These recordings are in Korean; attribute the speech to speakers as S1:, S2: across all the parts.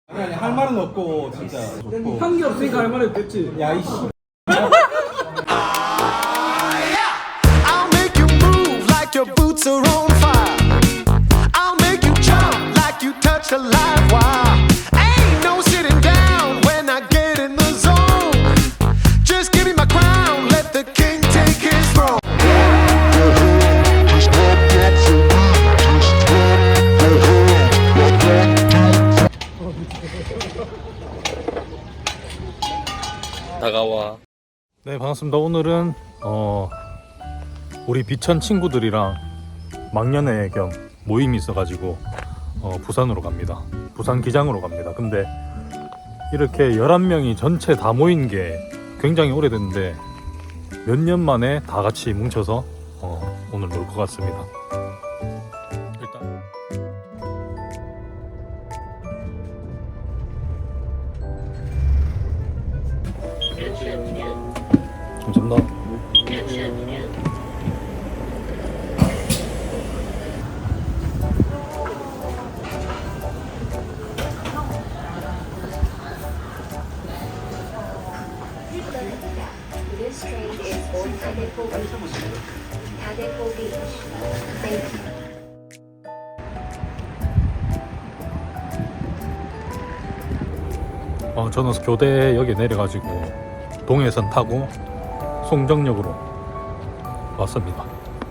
S1: 아니 할 말은 없고 진짜.
S2: 한 게 없으니까 할 말이 없겠지.
S1: 야 이씨.
S3: I'll make you move like your boots are on fire. I'll make you jump like you touch a live wire. Ain't no sitting down when I get in the zone. Just give me my crown, let the king take his throne.
S4: 다가와. 네, 반갑습니다. 오늘은 우리 비천 친구들이랑 막년회 겸 모임이 있어가지고 부산으로 갑니다. 부산 기장으로 갑니다. 근데 이렇게 11명이 전체 다 모인 게 굉장히 오래됐는데 몇 년 만에 다 같이 뭉쳐서 오늘 놀 것 같습니다. 일단 감사합니다.
S5: This train is for Tadepo Beach. Tadepo Beach. Thank you.
S4: 저는 교대역에 내려가지고 동해선 타고 송정역으로 왔습니다.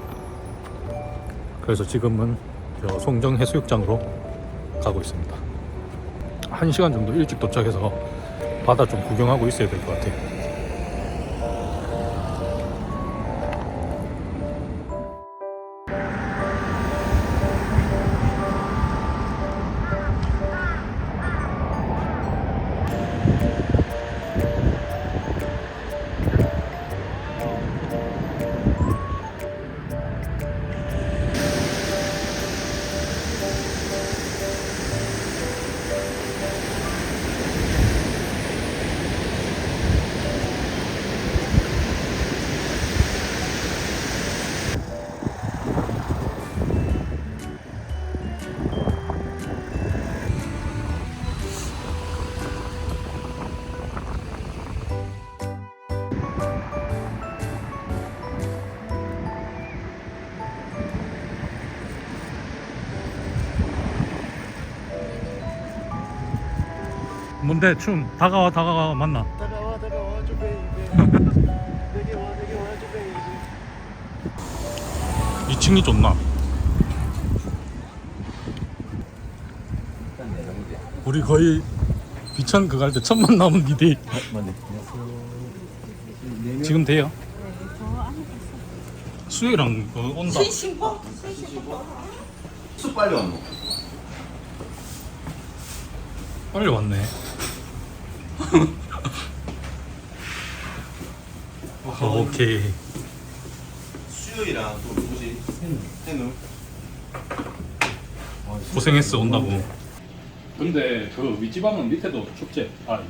S4: 그래서 지금은 저 송정 해수욕장으로 가고 있습니다. 1시간 정도 일찍 도착해서 바다 좀 구경하고 있어야 될 것 같아요. 뭔데 춤 다가와 맞나?
S3: 다가와 줘 베이비. 내게 와 줘 베이비.
S4: 2층이 좋나? 우리 거의 비천 그거 할 때 첫 만남은 니데 지금 돼요? 수혜랑 온다.
S1: 수 빨리 왔노.
S4: 빨리 왔네. 오케이.
S1: 수요이랑 또 누구지? 해누.
S4: 고생했어 온다고. 근데 그 윗지방은 밑에도 축제.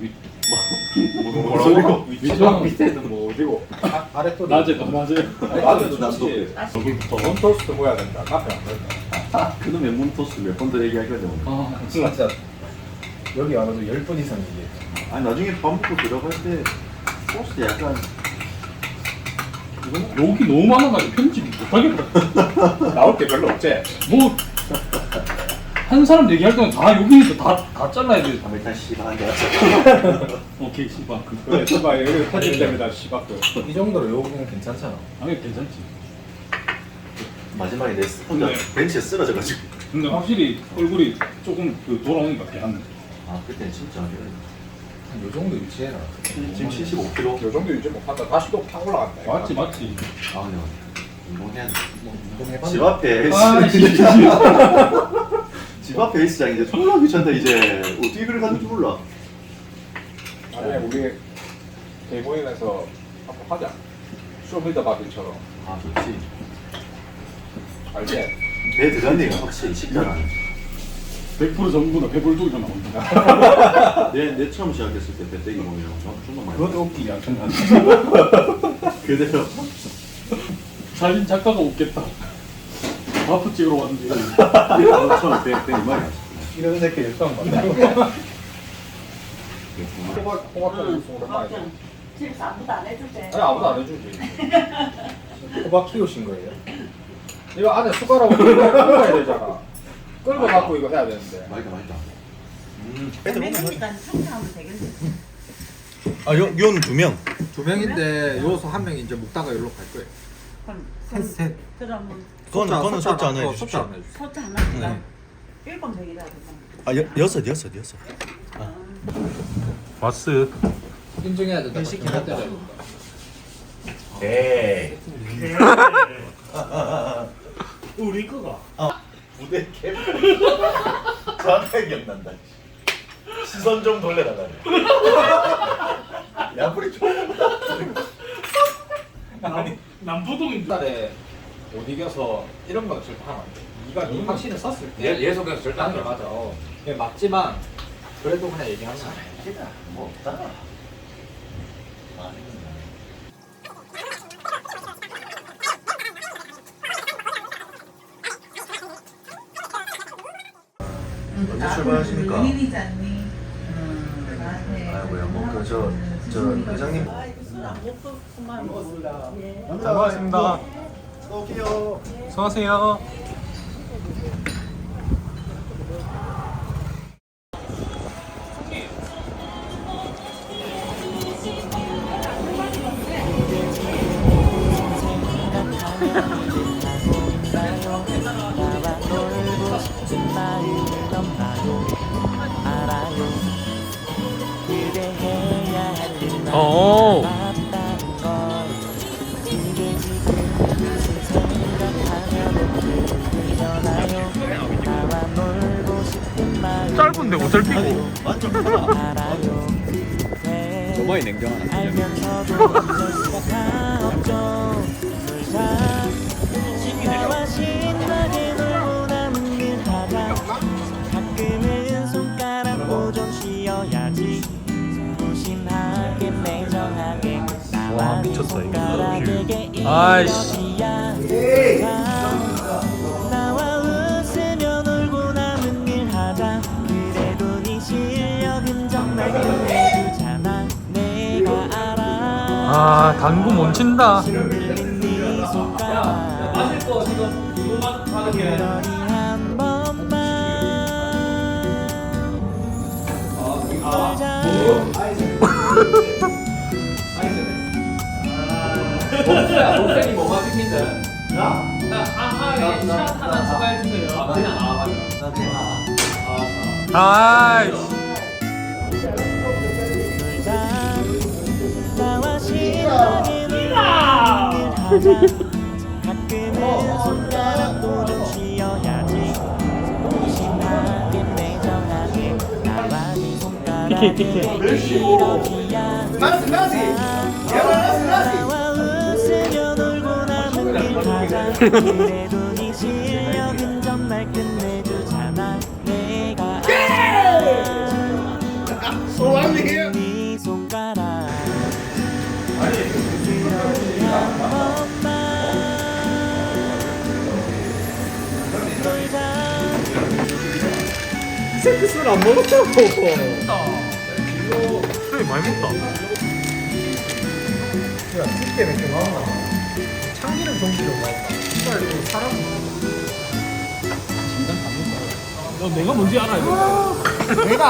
S1: 뭐라고?
S4: 윗지방
S1: 밑에는 뭐 어디고? 아래 또
S4: 낮에도
S1: 낮에도 낮도.
S4: 여기부터.
S1: 몬토스트 모여야 된다. 카페 안 된다.
S6: 그놈의 몬토스 몇 번 더 얘기하거든.
S1: 진짜 여기 와가지고 10분 이상 얘기해.
S6: 아니 나중에 밥 먹고 들어갈 때 소스 약간
S4: 여기 너무 많아가지고 편집 못하겠다.
S1: 나올 게 별로 없지?
S4: 뭐 한 사람 얘기할 때는 다 여기니까 다 잘라야 돼.
S6: 일단 씨발 한대 왔어.
S4: 오케이 씨발.
S1: 그래, 씨발 여기 터질 때마다 씨발도. 이 정도로 요기는 괜찮잖아.
S4: 아니 괜찮지.
S6: 마지막에 내 혼자
S4: 네.
S6: 벤치에 쓰러져가지고.
S4: 근데 확실히 얼굴이 조금 돌아오니까 걔한.
S6: 아 그때는 진짜
S1: 요 정도 유지해라.
S6: 지금 75kg.
S1: 요 정도 유지 못한다. 다시 또 팍 올라간다.
S4: 맞지.
S6: 아 근데 운동해야 돼.
S1: 운동해봐.
S6: 집 앞에 집 앞에 헬스장인데 졸라 귀찮다 이제. 어떻게 그걸 가는지 몰라.
S1: 아니 우리 대모임에서 한번 하자. 쇼미더 바비처럼.
S6: 아 좋지.
S1: 알지?
S6: 배 들어가니까 확실히 식단하네.
S4: 100% 전부 다 배불뚝이 나온다.
S6: 내 처음 시작했을 때 배때기 먹으면 정말 많이
S4: 그것도 웃기지 않겠나?
S6: 그대로
S4: 사진 작가가 웃겠다. 바프 찍으러 왔는데
S6: 처음 배 이만이
S1: 이런 새끼 일상 만나고 호박 쪽으로 많이.
S7: 집에서 아무도 안 해줄 때.
S1: 아니 아무도 안 해주지. 호박 키우신 거예요? 이거 안에 숟가락으로 끓여야 되잖아. 끓여 갖고 이거 해야 되는데.
S6: 맛있다.
S7: 매니까 청소하면 되겠지.
S8: 아, 요는 2명.
S2: 2명인데 요소 1명이 이제 먹다가 여기로 갈 거예요. 셋.
S7: 그러면
S8: 그거는 섭취 안
S2: 섭취
S8: 해주십시오.
S2: 안 해주죠.
S7: 소자 하나 주자. 1번100이라 그러면.
S8: 아, 여섯.
S4: 마스.
S2: 인증해야 된다. 시키면 때려야 된다.
S8: 네.
S4: 우리 거가.
S8: 부대 캠. 정확하게 기억난다. 시선 좀 돌려달라. 야불이 좀.
S1: 옛날에 못 이겨서 이런 거는 절대 하면 안 돼. 네가 네 확신을 썼을 때 예속에서 절대 안 돼. 맞아. 그게 맞지만 그래도 그냥 얘기하는 거야.
S8: 뭐 없다. 언제 출발하십니까? 아이고야, 저 회장님.
S4: 잘 먹었습니다.
S8: 또
S4: 수고하세요. 오. 짧은데 옷을 피고.
S8: 완전 크다.
S2: 저번에 냉정 하나.
S9: 가끔은 손가락도 좀 쉬어야지. 무심하게 매정하게
S4: 와, 미쳤다, 이거.
S9: 손가락에게
S4: 아이씨.
S9: 나와 웃으며 놀고 남은 일 하자. 그래도 네 실력은 정말 끝내주잖아. 내가 알아.
S4: 아, 당구 못 친다.
S9: 네 손가락
S2: 마실 거 지금 이거만 하는 게.
S9: 그러니 한 번만 놀자.
S2: 목생이 뭐가 시킨데? 아하에 샷 하나 추가해주세요. 그냥 맞아.
S4: 아이씨.
S9: 놀자. 나와 신나게 놀는 일 하자. 가끔은 손가락도 좀 쉬어야지. 무심하게 매정하게 나와 네 손가락에 이러기야. 나와 웃으며 놀고 남은 길 가자. 그래도 네 실력은 정말 끝내주잖아. 내가 네 손가락 그러니 한 번만 놀자.
S2: 세크스를 안 먹었다고.
S4: 그래, 많이 먹다.
S2: 야, 쉽게 맥주 나왔나? 참기름 종지로 나왔다. 정말 이거 사람. 야, 내가 뭔지 알아 이거.
S10: 내가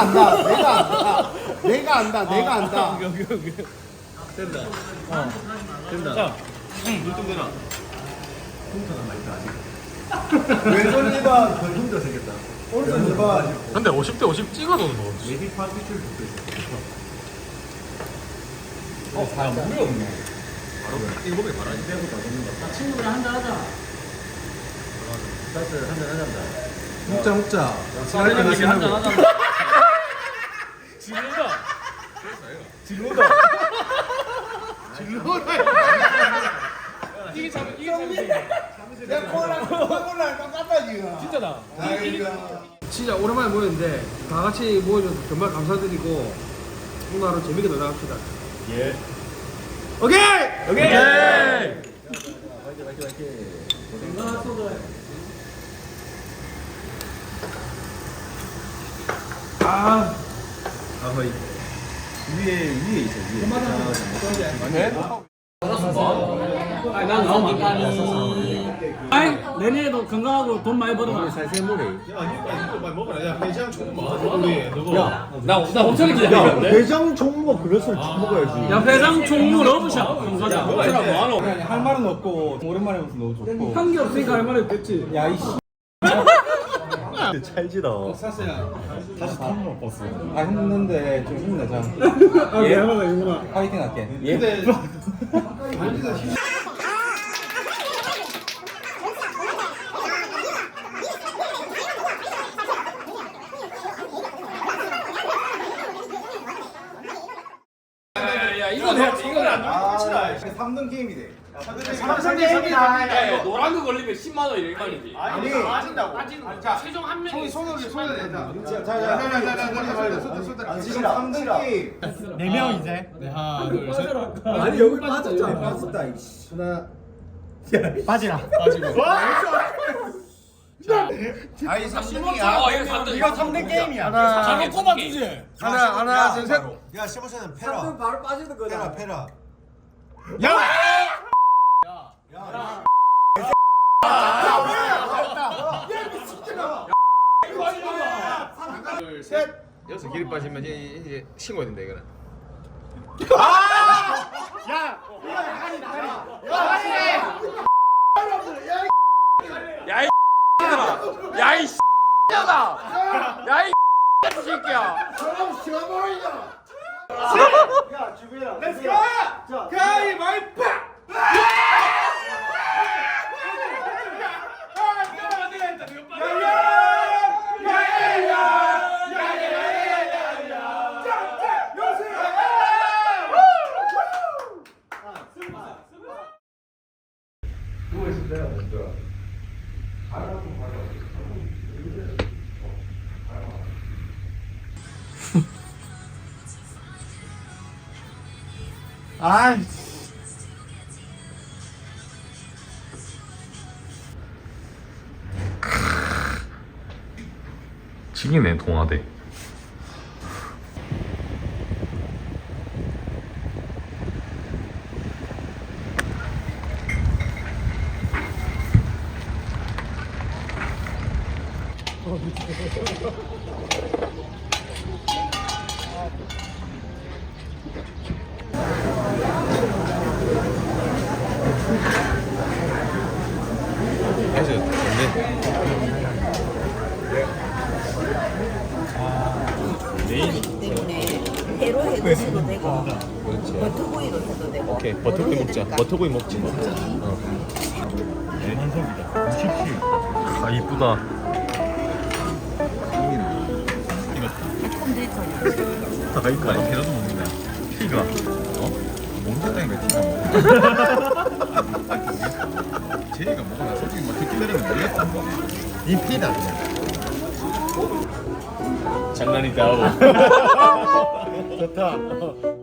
S10: 안다.
S2: 된다.
S8: 자, 눈좀 대라.
S10: 왼손 리바 더 힘들어 생겼다. 오른손 리바
S4: 근데 50대 50 찍어도 뭐.
S10: 예비파 피출 붙어 있어.
S2: 아, 물이 없네. 바로 일곱에 바라지 빼고 다 먹는 거. 친구들이랑 한잔 하자.
S10: 사실 한잔 하자. 먹자.
S2: 사람들이 이렇게 한잔 하자. 이게 참
S10: 내 코랑 똑같다 지금.
S2: 진짜다.
S10: 아이고.
S2: 진짜 오랜만에 모였는데 다 같이 모여줘서 정말 감사드리고 오늘 하루 재밌게 놀다 갑시다.
S8: 예.
S2: 오케이. 아,
S10: 아허이. 위에 있어 위에.
S2: 아니 난 나오면 안 돼. 아이 내년에도 건강하고 돈 많이 벌어라.
S10: 살세모래.
S8: 야, 이거 먹어라. 야, 회장 좀 먹어. 우리 너거.
S2: 나 엄청 기다리는데.
S10: 회장 종목 그릇을 먹어야지.
S2: 야 회장 총무 러브샷 가자.
S10: 할 말은 없고 오랜만에 봐서 너무 좋고.
S2: 한 게 없으니까 할 말이 없겠지.
S10: 야 이씨.
S4: 찰지다.
S10: 사스야 다시 탐로 버스. 아 했는데 좀 힘내자.
S2: 아 미안하다 이구나.
S10: 파이팅 할게. 예.
S2: 이건 해야지. 이건 안
S10: 아 3등 게임이 돼.
S2: 삼성 게임이다. 노란 거 걸리면 10만 원 일반이지.
S10: 아니
S2: 빠진다고. 자 최종 한 명이
S10: 손을 낸다. 지금 3등 게임.
S8: 4명 이제. 네, 하나, 둘, 셋.
S10: 아니 여기 빠졌잖아. 빠졌다 이씨. 하나.
S8: 빠지라. 빠지고.
S10: 아이 3등이야.
S2: 이거 3등 게임이야.
S8: 가게 꼽아 주지.
S10: 하나 둘 셋.
S6: 야, 시모션은 페라.
S10: 바로 빠지는 거다.
S6: 페라.
S10: 여기서 길이 빠지면 이제 신고해야 된다 이거는.
S2: 야이 X야다. 야이 새끼야.
S10: 야 주변아. Let's go. 가위바위보.
S4: 지기네 동아대.
S7: 때문에 회로 해도 되고 버터구이로 해도 되고.
S4: 오케이 버터구이 먹자. 버터구이 먹지 뭐. 아 이쁘다. 아 이거 아니 계란도 먹는다. 피가 먹는다니까 피가 제이가 먹어나 솔직히 막 듣기 들으면 모르겠다.
S10: 이 피다 그냥.
S4: 장난이다.
S10: 좋다.